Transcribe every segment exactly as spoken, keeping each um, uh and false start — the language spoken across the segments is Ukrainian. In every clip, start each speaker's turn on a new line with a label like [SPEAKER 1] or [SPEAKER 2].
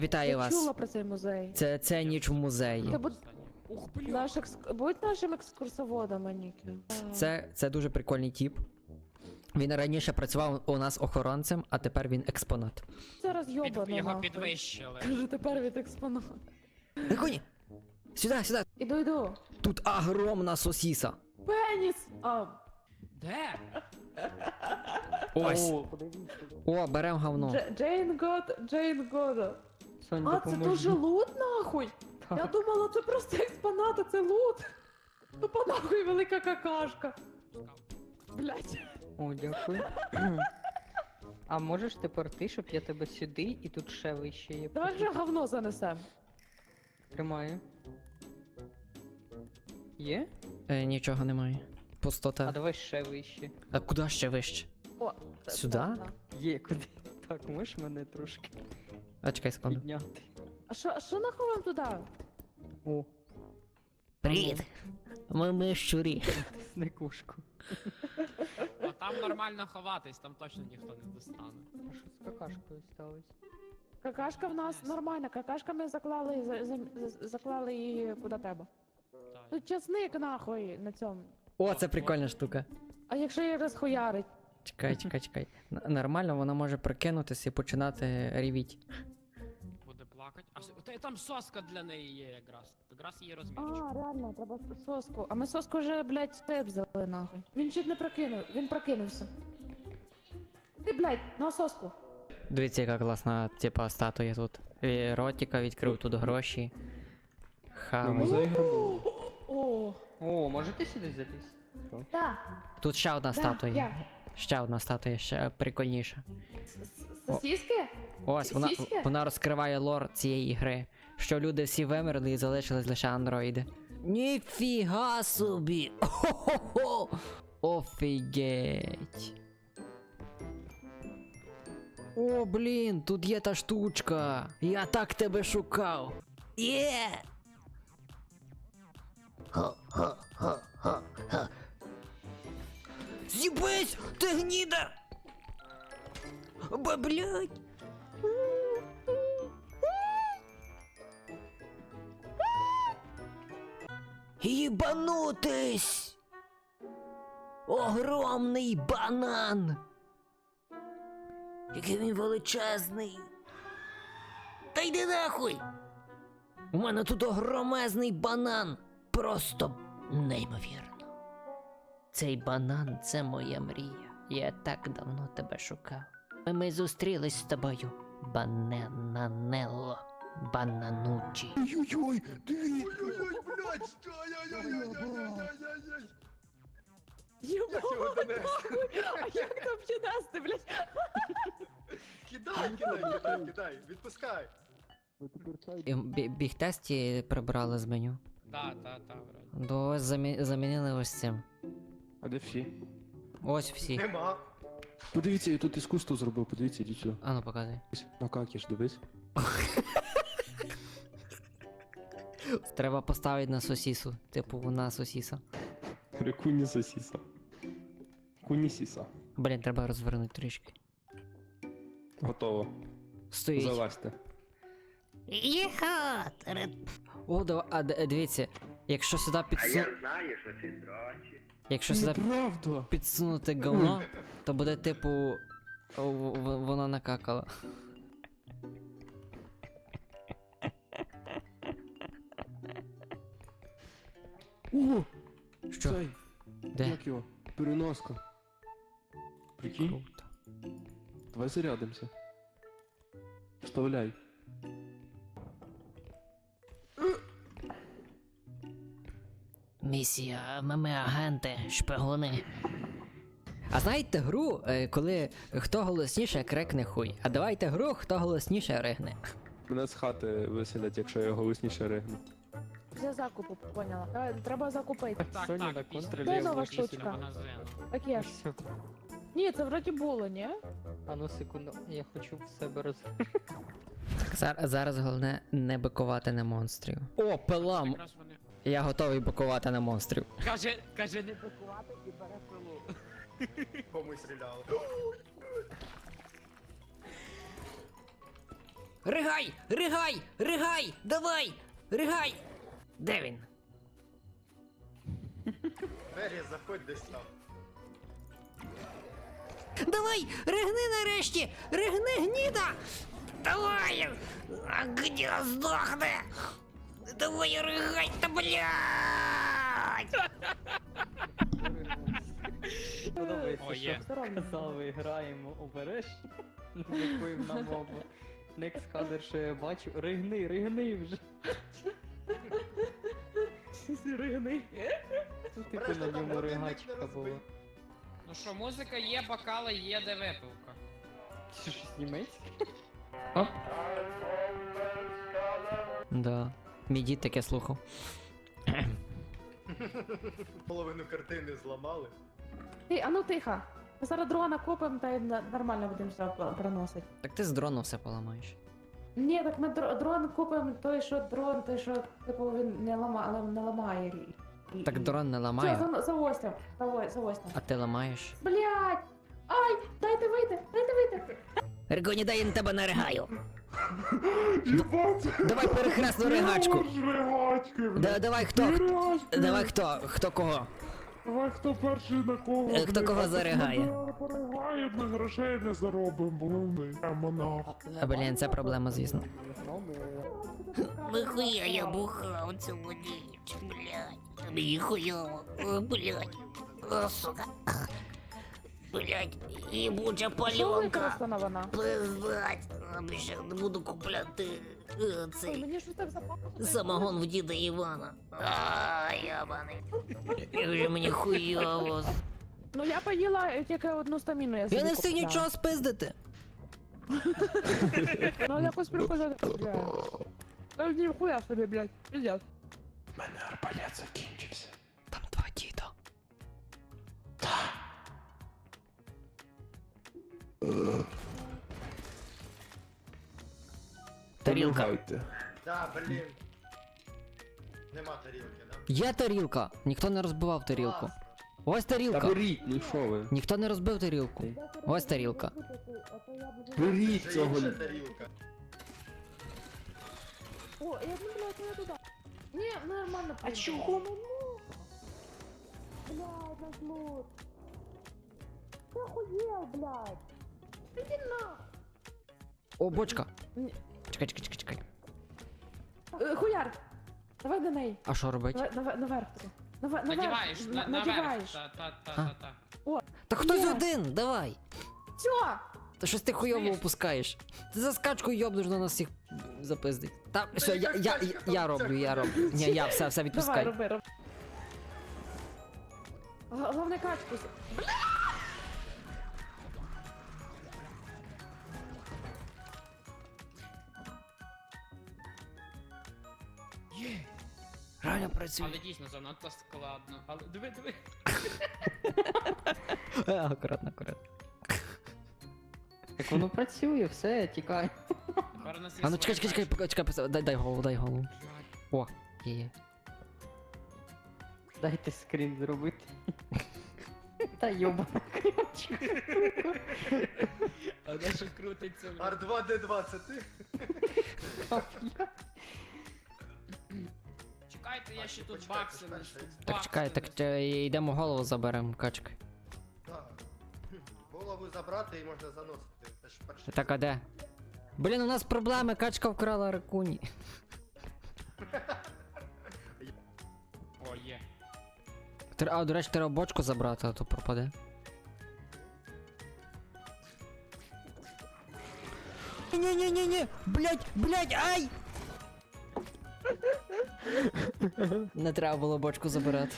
[SPEAKER 1] Вітаю
[SPEAKER 2] Я
[SPEAKER 1] вас.
[SPEAKER 2] чула про цей музей.
[SPEAKER 1] Це, це ніч в музеї.
[SPEAKER 2] Ти будь, наш екс... будь нашим екскурсоводом, Аніки.
[SPEAKER 1] Це, це дуже прикольний тіп. Він раніше працював у нас охоронцем, а тепер він експонат.
[SPEAKER 2] Це розйобано,
[SPEAKER 3] Під, його
[SPEAKER 2] нахуй.
[SPEAKER 3] підвищили.
[SPEAKER 2] Кажу, тепер від експонат.
[SPEAKER 1] На коні! Сюди, сюди!
[SPEAKER 2] Іду, іду.
[SPEAKER 1] Тут огромна сосіса.
[SPEAKER 2] Пеніс! А,
[SPEAKER 3] Де?
[SPEAKER 1] Ось. О, берем говно.
[SPEAKER 2] Дж- Джейн Год, Джейн Года.
[SPEAKER 4] Сонь,
[SPEAKER 2] А, це
[SPEAKER 4] допоможи.
[SPEAKER 2] дуже лут, нахуй? Я думала, це просто експонат, а це лут. Тупо нахуй велика какашка. Блять.
[SPEAKER 4] О, дякую. А можеш тепер ти, щоб я тебе сюди і тут ще вище є.
[SPEAKER 2] Давай вже говно занесем.
[SPEAKER 4] Тримаю. Є?
[SPEAKER 1] Е, нічого немає.
[SPEAKER 4] А
[SPEAKER 1] Пустота.
[SPEAKER 4] давай ще вище.
[SPEAKER 1] А куди ще вище?
[SPEAKER 2] О, це-
[SPEAKER 1] Сюди?
[SPEAKER 2] так, так.
[SPEAKER 4] Є куди. Так, можеш мене трошки
[SPEAKER 1] А чекай секунду.
[SPEAKER 4] підняти.
[SPEAKER 2] А що, а що нахуй вам туди?
[SPEAKER 4] О,
[SPEAKER 1] Привіт! Ми, ми щурі.
[SPEAKER 4] тисни кошку.
[SPEAKER 3] А там нормально ховатись, там точно ніхто не достане.
[SPEAKER 4] А що з какашкою сталося?
[SPEAKER 2] Какашка в нас нормальна, какашка ми заклали, за, за, за- заклали її куди треба.
[SPEAKER 3] Так.
[SPEAKER 2] Тут часник нахуй на цьому.
[SPEAKER 1] О, це прикольна штука.
[SPEAKER 2] А якщо її розхуярить?
[SPEAKER 1] Чекай, чекай, чекай. Н- Нормально, вона може прикинутися і починати ревіть.
[SPEAKER 3] Буде плакати. А с- та- там соска для неї є якраз. Якраз її розмірчик.
[SPEAKER 2] А, реально, треба соску. А ми соску вже, блядь, степ взяли нахуй. Він чуть не прокинув, він прокинувся. Ти, блядь, на соску.
[SPEAKER 1] Дивіться, яка класна, типа, статуя тут. І ротика відкрив тут гроші. Хавай.
[SPEAKER 4] Музей гробу.
[SPEAKER 2] О,
[SPEAKER 4] О, можете сюди залізти?
[SPEAKER 2] да,
[SPEAKER 1] Тут ще одна
[SPEAKER 2] да,
[SPEAKER 1] статуя.
[SPEAKER 2] я.
[SPEAKER 1] Ще одна статуя, ще прикольніша.
[SPEAKER 2] С- с- Сосиски?
[SPEAKER 1] Ось, вона,
[SPEAKER 2] Сіськи?
[SPEAKER 1] вона розкриває лор цієї гри. Що люди всі вимерли і залишились лише андроїди. Ніфіга собі! Хо-хо-хо! Офігеть! О, блін, тут є та штучка! Я так тебе шукав! Є! Ха-ха-ха-ха-ха! З'їбись! Ти гніда! Ба, блядь! Ебанутись! Огромний банан! Який він величезний! Та йди нахуй! У мене тут огромезний банан! Просто неймовірно. Цей банан — це моя мрія. Я так давно тебе шукав. Ми зустрілись з тобою, Бананелло, Бананучі.
[SPEAKER 5] Ой-ой-ой, дивіться! Ой-ой-ой, блядь, ай-яй-яй-яй-яй-яй-яй!
[SPEAKER 2] Єбать, нахуй! А як там піднести, блядь?
[SPEAKER 5] Кидай, кидай, кидай, кидай, відпускай!
[SPEAKER 1] Бі- Біг-тесті прибрали з меню.
[SPEAKER 3] Да, та, та, вроді.
[SPEAKER 1] До ось замі- замінили ось цим.
[SPEAKER 6] А де всі?
[SPEAKER 1] Ось всі.
[SPEAKER 5] Нема!
[SPEAKER 6] Подивіться, я тут іскусство зробив, подивіться, ідіть сюди.
[SPEAKER 1] А ну показуй.
[SPEAKER 6] Макакіш, дивись.
[SPEAKER 1] Треба поставити на сосісу. Типу на сосіса.
[SPEAKER 6] Куні сосіса. Куні сіса.
[SPEAKER 1] Блін, треба розвернути трішки.
[SPEAKER 6] Готово.
[SPEAKER 1] Стоїть.
[SPEAKER 6] Залазьте.
[SPEAKER 1] Єха! О, да, а д- дивіться, якщо сюди підсу...
[SPEAKER 7] знаю, що це дрочі.
[SPEAKER 1] Якщо сюди
[SPEAKER 6] Правда!
[SPEAKER 1] підсунути говно, то буде типу... о, в- в- воно накакало.
[SPEAKER 6] О!
[SPEAKER 1] Що?
[SPEAKER 6] Цей,
[SPEAKER 1] Де?
[SPEAKER 6] як його? Переноска. Прикинь?
[SPEAKER 1] Круто.
[SPEAKER 6] Давай зарядимося. Вставляй.
[SPEAKER 1] Місія, ми, ми агенти, шпигуни. А знаєте гру, е, коли хто голосніше крикне хуй, а давайте гру, хто голосніше ригне.
[SPEAKER 6] Мене з хати виселять, якщо я голосніше ригну.
[SPEAKER 2] Для закупу, поняла. Давай, треба закупити.
[SPEAKER 3] Так,
[SPEAKER 4] Соня
[SPEAKER 3] так,
[SPEAKER 4] на
[SPEAKER 3] після
[SPEAKER 4] контролі
[SPEAKER 2] Де нова
[SPEAKER 3] виключення
[SPEAKER 2] штучка?
[SPEAKER 3] магазину.
[SPEAKER 2] Таке ж.
[SPEAKER 4] Все.
[SPEAKER 2] Ні, це вроді було, ні?
[SPEAKER 4] А ну секунду, я хочу в себе роз...
[SPEAKER 1] Зараз, зараз головне не бикувати на монстрів. О, пилам!
[SPEAKER 3] Якраз вони...
[SPEAKER 1] Я готовий бикувати на монстрів.
[SPEAKER 3] Каже, каже, не бикувати і бере пилу.
[SPEAKER 5] Кому стріляли?
[SPEAKER 1] Ригай! Ригай! Ригай! Давай! Ригай! Де він?
[SPEAKER 5] Двері, заходь десь там.
[SPEAKER 1] Давай! Ригни нарешті! Ригни, гніда! Давай! А гніда здохне! Давай ригай, та блядь!
[SPEAKER 4] Подобається,
[SPEAKER 3] О, є.
[SPEAKER 4] що казав, граємо обережно. Дякуємо на мову. Next кадр, що я бачу. Ригни, ригни вже.
[SPEAKER 2] Ригни.
[SPEAKER 4] Ну, Типу
[SPEAKER 5] Обережно,
[SPEAKER 4] на
[SPEAKER 5] там
[SPEAKER 4] ньому
[SPEAKER 5] годинник
[SPEAKER 4] ригачка
[SPEAKER 5] не розбий.
[SPEAKER 4] була.
[SPEAKER 3] Ну що, музика є, бокали є, де випивка.
[SPEAKER 4] Це щось німецьке?
[SPEAKER 1] Да. Мій дід таке слухав.
[SPEAKER 5] Половину картини зламали.
[SPEAKER 2] Ти, а ну тихо. Ми зараз дрона купимо та й на- нормально будемо все приносити.
[SPEAKER 1] Так ти з дрону все поламаєш.
[SPEAKER 2] Ні, так ми дро- дрон купимо той, що дрон, той, що типу він не ламає, не ламає. І- і-
[SPEAKER 1] Так
[SPEAKER 2] і-
[SPEAKER 1] дрон не
[SPEAKER 2] Все,
[SPEAKER 1] ламає,
[SPEAKER 2] за, за остям. За, о- за остям.
[SPEAKER 1] а ти ламаєш.
[SPEAKER 2] Блять! Ай! Дайте вийти! Дайте вийти!
[SPEAKER 1] Ригоні, дай я на тебе наригаю. Давай перехресну ригачку. Да, давай хто? Давай хто? Хто кого?
[SPEAKER 8] Давай хто перший на кого?
[SPEAKER 1] Е, хто кого заригає?
[SPEAKER 8] Ми переграють, на грошей не заробимо, блин. Я монах.
[SPEAKER 1] А, блін, це проблема, звісно.
[SPEAKER 9] Нихуя я бухав цілу ніч, блядь. Мені хуйово, О, блядь. О, сука. Блядь, їбуча
[SPEAKER 2] Що ви
[SPEAKER 9] пальонка.
[SPEAKER 2] використана вона?
[SPEAKER 9] Пиздать. А, більше не буду купляти е,
[SPEAKER 2] Ой,
[SPEAKER 9] цей
[SPEAKER 2] мені ж так запахло.
[SPEAKER 9] самогон в діда Івана. А, ябаний. Як же мені хуйово.
[SPEAKER 2] Ну я поїла тільки одну стаміну, я
[SPEAKER 1] Я
[SPEAKER 2] собі
[SPEAKER 1] не встиг
[SPEAKER 2] купила.
[SPEAKER 1] нічого спиздити.
[SPEAKER 2] Ну якось приходити, блядь. Та ніхуя собі, блядь, пиздец.
[SPEAKER 8] У мене арбалет закінчився.
[SPEAKER 1] Там два діда. Тарілка.
[SPEAKER 6] Помагайте.
[SPEAKER 5] Да, блін. Нема тарілки, да?
[SPEAKER 1] Є тарілка. Ніхто не розбивав тарілку.
[SPEAKER 5] Класно.
[SPEAKER 1] Ось
[SPEAKER 6] Та
[SPEAKER 1] тарілка.
[SPEAKER 6] беріть, ну що ви?
[SPEAKER 1] Ніхто не розбив тарілку. Ось тарілка.
[SPEAKER 6] Беріть
[SPEAKER 5] Вже
[SPEAKER 6] цього.
[SPEAKER 5] інша тарілка.
[SPEAKER 2] О, я не блядь, не туди. Ні, нормально.
[SPEAKER 8] А чого?
[SPEAKER 2] Блядь, наш лут. Ти охуєл, блядь. Іди на.
[SPEAKER 1] О, бочка.
[SPEAKER 2] Ні.
[SPEAKER 1] Чекай, чекай, чекай, чекай.
[SPEAKER 2] Е, Хуяр. Давай до неї.
[SPEAKER 1] А що робить?
[SPEAKER 2] Давай, давай, наверх туди. Навер- наверх.
[SPEAKER 3] Надіваєш, на,
[SPEAKER 2] На-
[SPEAKER 3] наверх.
[SPEAKER 2] Надіваєш.
[SPEAKER 3] Та, та, та,
[SPEAKER 1] А.
[SPEAKER 3] та, та.
[SPEAKER 1] Та хтось
[SPEAKER 2] Є.
[SPEAKER 1] один, давай.
[SPEAKER 2] Все.
[SPEAKER 1] Та щось ти хуйово
[SPEAKER 3] Знаєш-
[SPEAKER 1] опускаєш. Ти за скачку йобнеш на нас всіх запиздить. Та все, я,
[SPEAKER 5] яка
[SPEAKER 1] я,
[SPEAKER 5] скачка,
[SPEAKER 1] я, я
[SPEAKER 5] там
[SPEAKER 1] роблю, я
[SPEAKER 5] всяко
[SPEAKER 1] роблю. Ні, я все, все
[SPEAKER 2] Давай,
[SPEAKER 1] відпускай.
[SPEAKER 2] роби, роби. Г- Головне качку. с-
[SPEAKER 1] Реально працює.
[SPEAKER 3] Але дійсно занадто складно. Але диви, диви.
[SPEAKER 1] Е, Акуратно, акуратно.
[SPEAKER 4] Так воно працює, все, тікай.
[SPEAKER 3] Тепер нас
[SPEAKER 1] А ну чекай, чекай, чекай, поки- чекай, пос- дай, дай голову, дай голову. О, є, є.
[SPEAKER 4] Дайте скрін зробити. Та йобана крючка.
[SPEAKER 3] А де що крутиться?
[SPEAKER 5] Ар два Д два, це ти?
[SPEAKER 3] Чекайте, я ще тут
[SPEAKER 5] Почекай,
[SPEAKER 3] бакси
[SPEAKER 5] почекай,
[SPEAKER 3] несу.
[SPEAKER 5] ще.
[SPEAKER 1] Так
[SPEAKER 3] бакси
[SPEAKER 1] чекай, так
[SPEAKER 3] несу.
[SPEAKER 1] е, йдемо голову заберемо, качки.
[SPEAKER 5] Да. Голову забрати і можна заносити. Це ж перший.
[SPEAKER 1] Так, а де? Блін, у нас проблеми, качка вкрала ракуні.
[SPEAKER 3] О, є.
[SPEAKER 1] Тр- А, до речі, треба бочку забрати, а то пропаде. Ні-ні-ні-ні! Блять, блять, ай! Не треба було бочку забирати.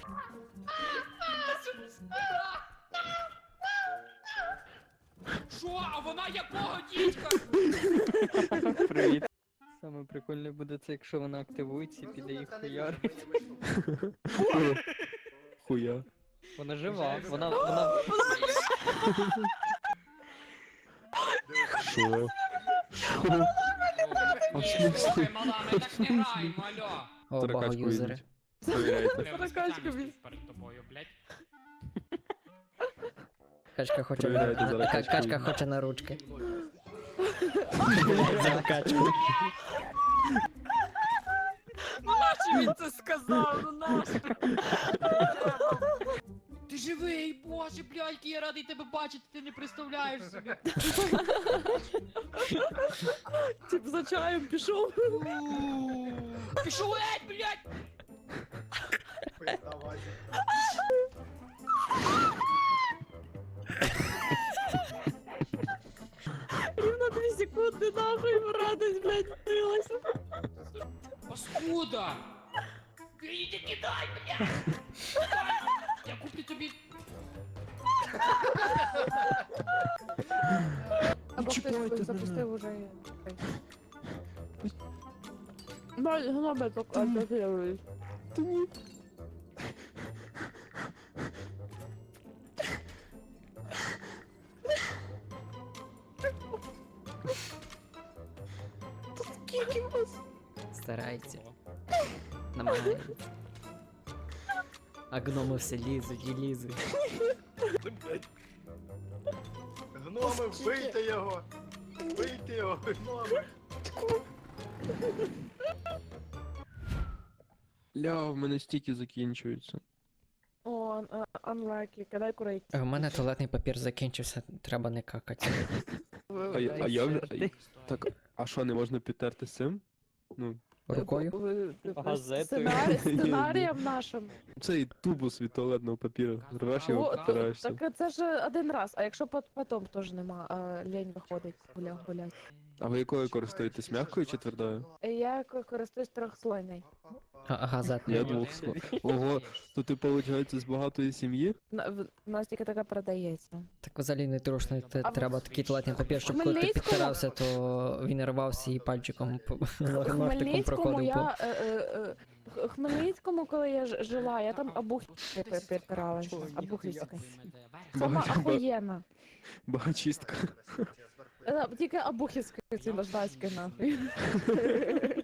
[SPEAKER 3] Що? А вона якого дідька?
[SPEAKER 4] Привіт. Саме прикольне буде це, якщо вона активується і
[SPEAKER 5] Ну,
[SPEAKER 4] піде їх
[SPEAKER 5] звука не
[SPEAKER 4] хуяр.
[SPEAKER 5] вижу, мені вийшло.
[SPEAKER 6] Хуя.
[SPEAKER 4] Вона жива,
[SPEAKER 3] Вже
[SPEAKER 4] вона, вона...
[SPEAKER 6] Що?
[SPEAKER 3] Ні, слухай, мала, ми так не граємо, алло.
[SPEAKER 1] О,
[SPEAKER 6] Таракачку
[SPEAKER 1] багаюзери.
[SPEAKER 6] йдіть. Перевіряйте.
[SPEAKER 3] Треба
[SPEAKER 2] Таракачка
[SPEAKER 3] спеціально
[SPEAKER 2] бі-
[SPEAKER 3] перед тобою, блядь.
[SPEAKER 1] Качка хоче,
[SPEAKER 6] Перевіряйте, зараз
[SPEAKER 1] Ка-
[SPEAKER 6] качку
[SPEAKER 1] качка
[SPEAKER 6] йде.
[SPEAKER 1] хоче на ручки. Закачку.
[SPEAKER 3] Ну нащо він це сказав? Ну нащо? Ти живий, боже, блядь, який я радий тебе бачити, ти не представляєш собі.
[SPEAKER 2] Тип за чаєм пішов.
[SPEAKER 3] Пішов геть, блядь!
[SPEAKER 5] Давай.
[SPEAKER 2] Рівно дві секунди нахуй в радость, блядь, дилася.
[SPEAKER 3] Паскуда! Іди кидай, блядь! Я куплю тобі...
[SPEAKER 2] Або хтось запустив уже. Бать, гноби так атакують. Скільки вас?
[SPEAKER 1] Старається. Намагається. А гноми все лізуть і лізуть.
[SPEAKER 5] Гноми, вбийте його! Вбийте його, гноми!
[SPEAKER 6] Ля, в мене стіки закінчуються.
[SPEAKER 2] О, unlucky, кидай курить.
[SPEAKER 1] У мене туалетний папір закінчився, треба не какати.
[SPEAKER 6] А, я- а я вже. Так, а що, не можна підтерти цим? Ну,
[SPEAKER 1] Рукою?
[SPEAKER 4] Газетою.
[SPEAKER 2] Сценарій, сценарієм нашим.
[SPEAKER 6] цей тубус від туалетного папіру. Рвеш
[SPEAKER 2] О,
[SPEAKER 6] його, підтираєшся.
[SPEAKER 2] Так це ж один раз, а якщо пот- потім теж нема, а лень виходить, гуля, гулять.
[SPEAKER 6] А ви якою користуєтесь, м'якою чи твердою?
[SPEAKER 2] Я к- користуюсь трьохслойний.
[SPEAKER 1] А, газетний.
[SPEAKER 6] Я двох слов. Ого, то ти, виходить, з багатої сім'ї?
[SPEAKER 2] На- в- У нас тільки така продається.
[SPEAKER 1] Так взагалі не трушно, те-
[SPEAKER 2] А в-
[SPEAKER 1] треба такий туалетний папір, щоб коли ти
[SPEAKER 2] Хмельницькому-
[SPEAKER 1] підтирався, то він рвався і пальчиком по-
[SPEAKER 2] В
[SPEAKER 1] ножтиком
[SPEAKER 2] Хмельницькому
[SPEAKER 1] проходив по.
[SPEAKER 2] я... е, е, е, в Хмельницькому, коли я ж- жила, я там обухівською підпиралася. Обухівською. Сама
[SPEAKER 6] Ба- ба-
[SPEAKER 2] охуєнна.
[SPEAKER 6] Багачістка.
[SPEAKER 2] Е, Тільки обухівською ці наждачки нахуй.